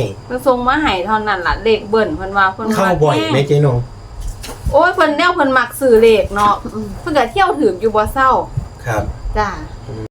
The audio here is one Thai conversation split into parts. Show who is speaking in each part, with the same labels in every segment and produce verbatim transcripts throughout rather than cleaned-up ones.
Speaker 1: เพิ่นส่งมาให้เท่านั้นล่ะเลขเบิ่นเพิ่นว่าเพิ่น
Speaker 2: เข้าบ่อยไหมเจ๊นง
Speaker 1: โอ้ยเพิ่นแนวเพิ่นมักซื้อเลขเนาะเพิ่นก็เที่ยวถึงอยู่บ่เศร้า
Speaker 2: ครับ
Speaker 1: จ้า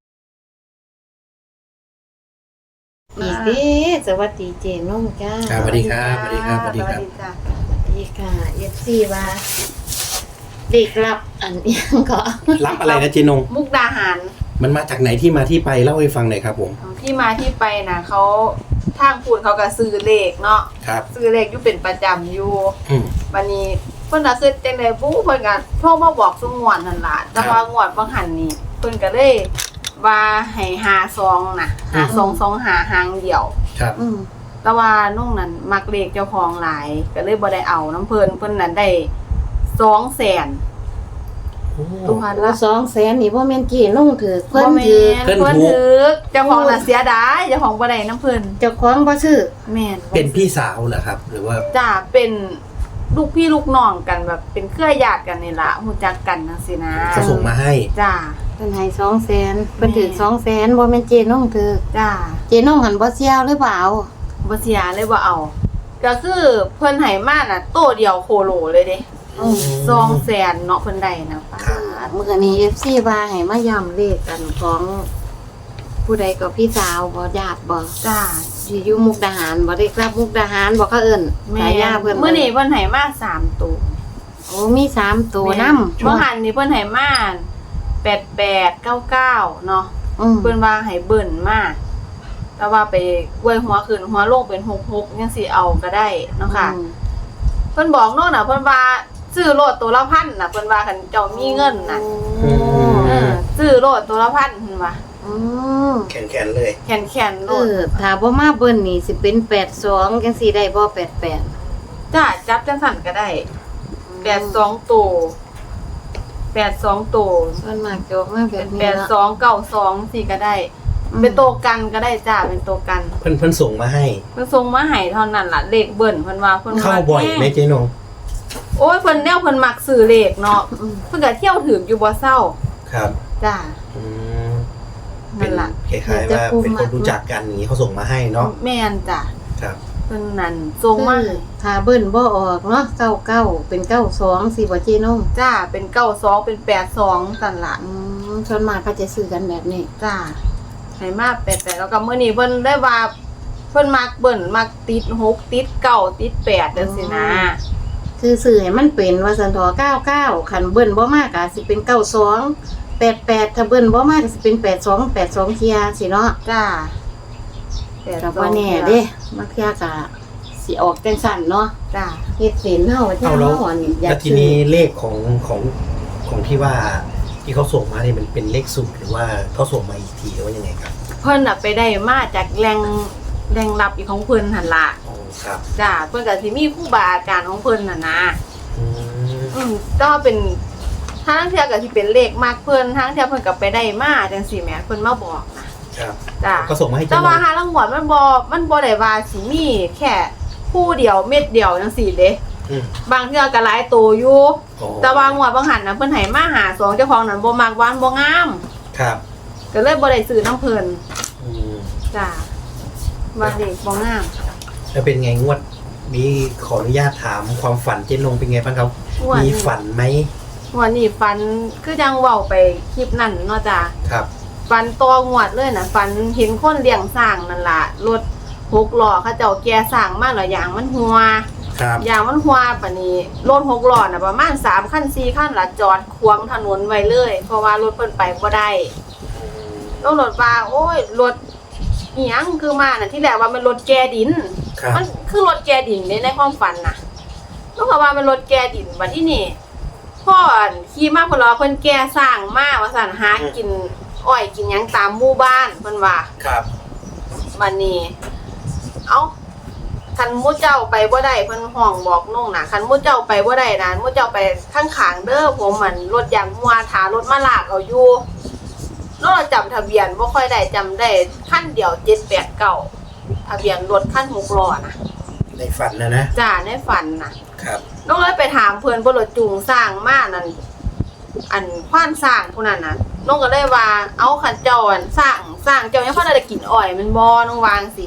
Speaker 3: อีกเด้สวัสดีเจนงจ้า
Speaker 2: สวัสดีครับสวัสดีครับสวัสดีครับ
Speaker 3: สวัสดีค่ะเอฟซีว่าเด็กรับอันยังก็
Speaker 2: รับอะไรนะเจ๊นง
Speaker 1: มุกดาหาร
Speaker 2: มันมาจากไหนที่มาที่ไปเล่าให้ฟังหน่อยครับผม
Speaker 1: ที่มาที่ไปนะเขาทางพูดเขาก็ซื้อเลขเนาะ
Speaker 2: ครับ
Speaker 1: ซื้อเลขอยู่เป็นประจำอยู่
Speaker 2: อืม
Speaker 1: วันนี้เพิ่นน่ะคือจังได๋บู้เพิ่นก็โทรมาบอกซุงวดนั่นล่ะแต่ว่างวดบางหันนี่เพิ่นก็เลยว่าให้ห้าซองน่ะห้าซองสองห้าหางเดียว
Speaker 2: ครับ
Speaker 3: อืม
Speaker 1: แต่ว่าน้องนั้นมักเลขเจ้าของหลายก็เลยบ่ได้เอาน้ำเพิ่นเพิ่นนั้นได้สองแสน
Speaker 3: ตัวพันละสองแสนนี่บ่แม่นกี่ลงถือเพิ่นถือ
Speaker 1: เพิ่นถือเจ้าของน่ะเสียดายเจ้าของบ่ได้น้ำเพิ่น
Speaker 3: เจ้าของบ่ซื้อ
Speaker 1: แม่น
Speaker 2: เป็นพี่สาวเหรอครับหรือว่า
Speaker 1: จ้าเป็นลูกพี่ลูกน้องกันแบบเป็นเครือญาติกันนี่ล่ะฮู้จักกันจังซี่นะ
Speaker 2: เขาส่งมาให้
Speaker 1: จ้า
Speaker 3: เพิ่นให้สองแสนเพิ่นถือสองแสนบ่แม่นเจนงถือ
Speaker 1: จ้า
Speaker 3: เจนงหันบ่เสียหรือเปล่า
Speaker 1: บ่เสียเลยบ่เอาก็คือเพิ่นให้มาน่ะโตเดียวโคโลเลยเด้สองแสนเนาะเพิ่นได้นะป้า
Speaker 3: มื้อนี้ เอฟ ซี ว่าให้มาย้ำเลขกันของผู้ใดก็พี่สาวบ่ญาติบ่
Speaker 1: จ้า
Speaker 3: สิอยู่มุกดาหารบ่ได้กลับมุกดาหารบ่เขาเอิ้น
Speaker 1: สายยาเพิ่นมื้อนี้เพิ่นให้มาสามตัว
Speaker 3: โอ้มีสามตัวนำ
Speaker 1: บ่หันนี่เพิ่นให้มาแปดแปดเก้าเก้าเนาะเพิ่นว่าให้เบิ่นมาแต่ว่าไปอวยหัวขึ้นหัวลงเป็นหกสิบหกจังซี่เอาก็ได้เนาะค่ะเพิ่นบอกน้องน่ะเพิ่นว่าซื้อโลดตัวละพันน่ะเพิ่นว่าคันเจ้ามีเงินน่ะเออซื้อโลดตัวละพันเพิ่นว่า
Speaker 3: อือ
Speaker 2: แขนๆเลย
Speaker 1: แขนๆโลด
Speaker 3: เออถ้าบ่มาเบิ่นนี่สิเป็นแปดสิบสองจังซี่ได้บ่แปดสิบแปด
Speaker 1: จ้าจับจังซั่นก็ได้แปดสิบสองตัวแปดสิบสองตัว
Speaker 3: ส่วนมากจะออกมาแบบนี้
Speaker 1: แปดสิบสอง เก้าสิบสองสี่ก็ได้เป็นตัวกันก็ได้จ้าเป็นตัวกัน
Speaker 2: เพิ่นเพิ่นส่งมาให้
Speaker 1: เพิ่นส่งมาให้เท่านั้นล่ะเลขเบิ่นเพิ่นว่าเพิ่น
Speaker 2: เข้าบ่อยไหมเจ๊นง
Speaker 1: โอ้ยเพิ่นแนวเพิ่นมักซื้อเลขเนาะเพิ่นก็เที่ยวถึงอยู่บ่เศร้า
Speaker 2: ครับ
Speaker 1: จ้า
Speaker 2: อืมนั่นล่ะคล้ายๆว่าเป็นคนรู้จักกันอย่างนี้เขาส่งมาให้เนาะ
Speaker 1: แม่นจ้ะ
Speaker 2: ครับ
Speaker 1: เพิ่นนั่นส่งมา
Speaker 3: ถ้าเบิ่นบ่ออกเนาะเก้าสิบเก้าเป็นเก้าสิบสองสิบ่เจนง
Speaker 1: จ้าเป็นเก้าสิบสองเป็นแปดสิบสองซั่นล่ะ
Speaker 3: อืมส่วนมากเขาจะซื้อกันแบบนี้
Speaker 1: จ้าให้มาแปดสิบแปดแล้วก็มื้อนี้เพิ่นได้ว่าเพิ่นมักเบิ่นมักติดหกติดเก้าติดแปดจังซี่นะ
Speaker 3: คือสื่อให้มันเป็นว่าสันทอเก้าสิบเก้าคันเบิ่นบ่มากก็สิเป็นเก้าสิบสอง แปดสิบแปดถ้าเบิ่นบ่มากก็สิเป็นแปดสิบสอง แปดสิบสองเที่ยสิเนาะ
Speaker 1: จ้า
Speaker 3: แต่ว่าแน่เด้มักเที่ยก็สิออกจังซั่นเนาะ
Speaker 1: จ้า
Speaker 3: เฮ็ดเป็นเฮาเที่ยเฮาอัน
Speaker 2: อยากทีนี้เลขของของของที่ว่าที่เขาส่งมานี่มันเป็นเลขสูตรหรือว่าเขาส่งมาอีกทีหรือว่ายังไงครับ
Speaker 1: เพิ่นน่ะไปได้มาจากแหล่งแหล่งลับอีกของเพิ่นหั่นล่ะ
Speaker 2: อ๋อครับ
Speaker 1: จ้าเพิ่นก็สิมีครูบาอาจารย์ของเพิ่นน่ะนะ
Speaker 2: อืม
Speaker 1: อืมก็เป็นทางเที่ยก็สิเป็นเลขมากเพิ่นทางเที่ยเพิ่นก็ไปได้มาจังซี่แหมเพิ่นมาบอกนะครับจ้า
Speaker 2: ก็ส่งมาให้
Speaker 1: แต่ว่าหาลังหวดมันบ่มันบ่ได้ว่าสิมีแค่คู่เดียวเม็ดเดียวจังซี่เด้บางเที่ยก็หลายตัวอยู่แต่ว่างวดบางหันน่ะเพิ่นให้มาหาสองเจ้าของนั้นบ่มักหวานบ่งาม
Speaker 2: ครับ
Speaker 1: ก็เลยบ่ได้ซื้อน้ำเพิ่น
Speaker 2: อืม
Speaker 1: จ้าว่าเด็กบ่งาม
Speaker 2: แล้วเป็นไงงวดมีขออนุญาตถามความฝันเจ๊นงเป็นไงบ้างครับมีฝันไหม
Speaker 1: วันนี้ฝันคือจังเว้าไปคลิปนั่นเนาะจ้า
Speaker 2: ครับ
Speaker 1: ฝันตัวงวดเลยน่ะฝันเห็นคนเลี้ยงสร้างนั่นล่ะรถหกล้อเขาเจ้าแก่สร้างมาแล้วยางมันหัว
Speaker 2: ครับ
Speaker 1: ยางมันหัวปานนี้รถหกล้อน่ะประมาณสามคันสี่คันล่ะจอดขวางถนนไว้เลยเพราะว่ารถเพิ่นไปบ่ได้ต้องรถว่าโอ้ยรถอีหยังคือมาน่ะที่แรกว่ามันรถแก่ดินมันคือรถแก่ดินในในความฝันน่ะต้องว่ามันรถแก่ดินบัดนี้นี่พ่อขี่มาเพิ่นรอเพิ่นแก่สร้างมาว่าซั่นหากินอ้อยกินหยังตามหมู่บ้านเพิ่นว่า
Speaker 2: ครับ
Speaker 1: บัดนี้เอ้าคันหมู่เจ้าไปบ่ได้เพิ่นห้องบอกน้องน่ะคันหมู่เจ้าไปบ่ได้นะหมู่เจ้าไปข้างๆเด้อผมมันรถยางมัวถารถมาลากเอาอยู่เราจำทะเบียนบ่ค่อยได้จำได้คันเดียวเจ็ดแปดเก้าทะเบียนรถคันหกล้อนะ
Speaker 2: ในฝันนะนะ
Speaker 1: จ้าในฝันน่ะ
Speaker 2: ครับ
Speaker 1: น้องเลยไปถามเพิ่นบ่รถจูงสร้างมานั่นอันควานสร้างผู้นั้นน่ะน้องก็เลยว่าเอาคันเจ้าอันสร้างสร้างเจ้ายังพอได้กินอ้อยมันบ่น้องวางสิ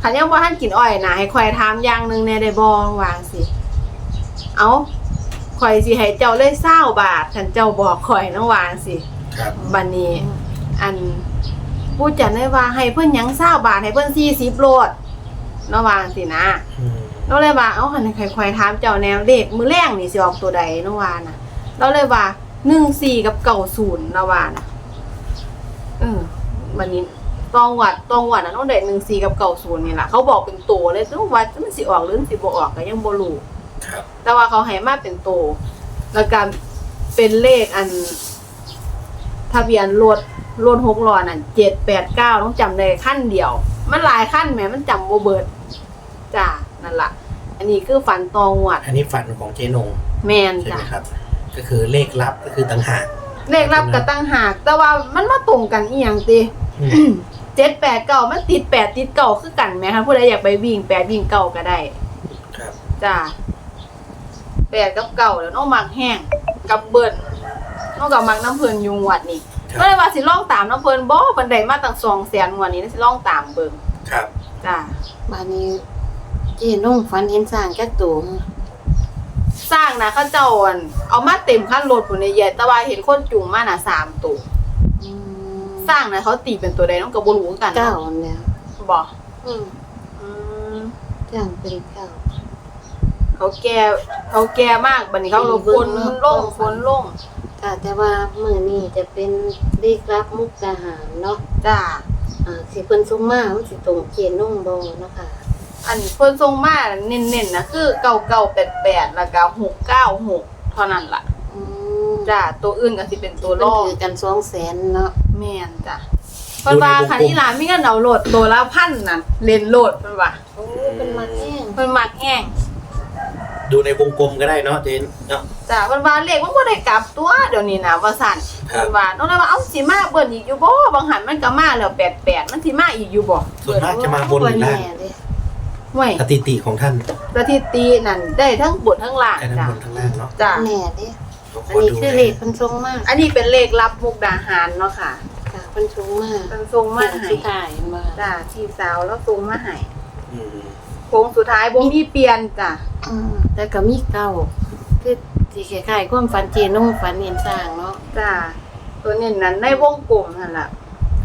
Speaker 1: คันยังบ่ทันกินอ้อยนะให้ข่อยถามอย่างหนึงแหน่ได้บ่ว่าสิเอาข่อยสิให้เจ้าเลยเศร้าบาทคันเจ้าบอกข่อยนะว่าสิ
Speaker 2: ครับ
Speaker 1: บัดนี้ อันผู้จัดได้ว่าให้เพิ่นหยังเศร้าบาทให้เพิ่นสี่สิบโลดเนาะว่าสินะ
Speaker 2: อืม
Speaker 1: เราเลยว่าเอ้าคันข่อยๆถามเจ้าแนวเลขมื้อแรงนี่สิออกตัวใดเนาะว่าน่ะเราเลยว่าหนึ่งสี่กับเก้าศูนย์เนาะว่าน่ะเออบัดนี้ตองวัดตองวัดน่ะต้องได้หนึ่งสี่กับเก้าศูนย์นี่ล่ะเขาบอกเป็นตัวเลยซึ่งว่ามันสิออกหรือมันสิบ่ออกก็ยังบ่รู้
Speaker 2: ครับ
Speaker 1: แต่ว่าเขาให้มาเป็นโตวแล้วก็เป็นเลขอันทะเบียนรถรถหกล้อนั่นเจ็ดแปดเก้าต้องจำได้ขั้นเดียว มันหลายขั้นแหมมันจำบ่เบิดจ้านั่นล่ะ อันนี้คือฝันตองหวัด
Speaker 2: อันนี้ฝันของเจนง
Speaker 1: แมน
Speaker 2: ใช่
Speaker 1: จ้ะ
Speaker 2: ไหมครับ ก็คือเลขลับก็คือต่างหาก
Speaker 1: เลขรับกับตั้งหาก แต่ว่ามันมาตรงกันอีหยังติ
Speaker 2: อืม
Speaker 1: เจ็ดแปดเก้ามันติดแปดติดเก้าคือกันไหมคะผู้ใดอยากไปวิ่งแปดวิ่งเก้าก็ได้
Speaker 2: ครับ
Speaker 1: จ้าแปดกับเก่าแล้วน้องมักแห้งกับเบิร์นน้องกับมักน้ำเพลินยุงวัดนี่
Speaker 2: ครับ
Speaker 1: ก็เลยว่าสิล่องตามน้ำเพลินบ่บันไดมาตั้งสองแสนงวดนี้สิล่องตามเบิ่ง
Speaker 2: ครับ
Speaker 1: จ้า
Speaker 3: บานนี้เจีนุ่งฝันเห็นสร้างจักตัว
Speaker 1: สร้างนะเขาเจ้าอันเอามาเต็มขั้นรถผู้ในใหญ่แต่ว่าเห็นคนจุงมาน่ะสามตัว
Speaker 3: อืม
Speaker 1: สร้างนะเขาตีเป็นตัวใดน้องกับบรู้กัน
Speaker 3: เก้า
Speaker 1: เนาะ
Speaker 3: เนี่ย
Speaker 1: บ่
Speaker 3: อืม
Speaker 1: อืม
Speaker 3: จ้างเป็นเก้า
Speaker 1: เขาแก่เขาแก่มากบัดนี้เขาลงฝนลงฝนลง
Speaker 3: ค่ะแต่ว่ามื้อนี้จะเป็นเลขรับมุกดาหารเนาะ
Speaker 1: จ้า
Speaker 3: อ่าสิเพิ่นส่งมามันสิตรงเจนุ่งบ่เนาะค่ะ
Speaker 1: อันเพิ่นส่งมาเน้นๆนะคือเก้าเก้าแปดแปดแล้วก็หกเก้าหกเท่านั้นล่ะ
Speaker 3: อืม
Speaker 1: จ้าตัวอื่นก็สิเป็นตัวร
Speaker 3: เพิ่น
Speaker 1: อง
Speaker 3: ถือกันสองแสนเนาะ
Speaker 1: แม่นจ้ะเพิ่นว่าคันนี้ล่ะมีเงินเอาโหลดตัวละพันนั่นเล่นโหลดเพิ่นว่า
Speaker 3: โอ้เพิ่นมาแห้ง
Speaker 1: เพิ่นมักแห้ง
Speaker 2: ดูในวงกลมก็ได้เนาะเจนเนาะ
Speaker 1: จ้าเพิ่นว่าเลขมันบ่ได้กลับตัวเดี๋ยวนี้นะว่าซั่น
Speaker 2: ครับ
Speaker 1: เพิ่นว่าน้องเลยว่าเอ้าสิมาเบิ่นอีกอยู่บ่บางหันมันก็มาแล้วแปดแปดมันสิมาอีกอยู่บ่
Speaker 2: ส่วนมากจะมาบนหรือล่าง
Speaker 3: แน่เด้
Speaker 1: ห่วย
Speaker 2: สถิติของท่าน
Speaker 1: สถิตินั่นได้ทั้งบนทั้งล่าง
Speaker 2: แค่ทั้ง
Speaker 1: จ้ะ
Speaker 2: บนทั้งล่างเนาะ
Speaker 1: จ้า
Speaker 3: แน่เด้
Speaker 2: เราข
Speaker 3: อันนี้
Speaker 2: ดู
Speaker 3: คือเลขเพิ่นส่งมา
Speaker 1: อันนี้เป็นเลขรับมุกดาหารเนาะค่ะ
Speaker 3: ค่ะเพิ่นส่งมา
Speaker 1: เพิ่นส่งมาให้
Speaker 3: สุดท้ายมา
Speaker 1: จ้าพี่สาวแล้วส่งมาให้
Speaker 2: อืม
Speaker 1: โค้งสุดท้ายบ่มีเปลี่ยนจ้ะ
Speaker 3: อืมแต่ก็มีเก้าคือสิคล้ายๆความฝันเจนุ่งฝันเห็นสร้างเนาะ
Speaker 1: จ้าตัวนี้นั้นในวงกลมนั่นล่ะ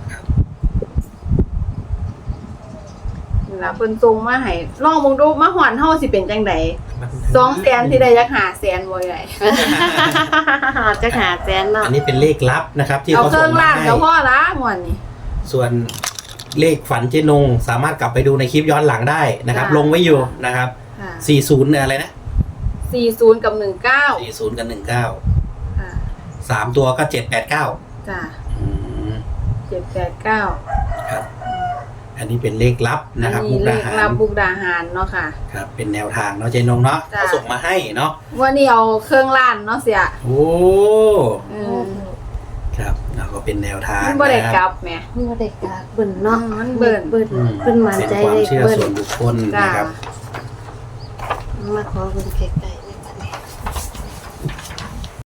Speaker 1: นี่ล่ะเพิ่นส่งมาให้ลองเบิ่งดูมาหอนเฮาสิเป็นจังไดสองแสนสิได้จักห้าแสนบ่ใหญ่
Speaker 3: จะหาแสนเนาะ
Speaker 2: อันนี้เป็นเลขลับนะครับ ที่
Speaker 1: เอา
Speaker 2: เขา
Speaker 1: เค
Speaker 2: ส่
Speaker 1: รื่อง ง
Speaker 2: มา
Speaker 1: ล่าง
Speaker 2: ให้
Speaker 1: ก็พอละม่วนนี่
Speaker 2: ส่วนเลขฝันเจนงสามารถกลับไปดูในคลิปย้อนหลังได้นะครับ
Speaker 1: ค่ะ
Speaker 2: ลงไว้อยู่นะครับ
Speaker 1: ค่ะ
Speaker 2: สี่สิบเนี่ยอะไรนะ
Speaker 1: สี่สิบกับหนึ่งเก้า
Speaker 2: สี่สิบกับหนึ่งเก้า
Speaker 1: ค่ะ
Speaker 2: สามตัวก็เจ็ดแปดเก้า
Speaker 1: จ้ะ
Speaker 2: อืม
Speaker 1: เจ็ดแปดเก้า
Speaker 2: ครับ อันนี้เป็นเลขลับนะครับ
Speaker 1: อั
Speaker 2: มุก
Speaker 1: เล
Speaker 2: ดา
Speaker 1: ข
Speaker 2: หา
Speaker 1: รั
Speaker 2: ร
Speaker 1: บบุกดาหารเนาะค่ะ
Speaker 2: ครับ เป็นแนวทางเนาะเจนงเนาะ
Speaker 1: จ้ะ
Speaker 2: เขาส่งมาให้เนาะ
Speaker 1: วันนี้เอาเครื่องล้านเนาะเสีย
Speaker 2: โอ้
Speaker 1: เออ
Speaker 2: ครับแล้วก็เป็นแนวทาง
Speaker 1: มันบ่ได้
Speaker 2: นะ
Speaker 1: ก
Speaker 2: ค
Speaker 1: ลั
Speaker 2: รับบ
Speaker 1: แหม
Speaker 3: เมื่อเด็กกาเบิ่นเนาะ
Speaker 1: อืมมันเบิ่น
Speaker 3: เบิ่น
Speaker 2: อืม
Speaker 3: เพิ่นมั่น
Speaker 2: เป็น
Speaker 3: ใจ
Speaker 2: ความ
Speaker 3: เลข
Speaker 2: เชื่อ
Speaker 3: เบิ่น
Speaker 2: ส่วนบุคคล
Speaker 1: จ้า
Speaker 2: นะครับ
Speaker 3: มาขอเบิ่งใกล้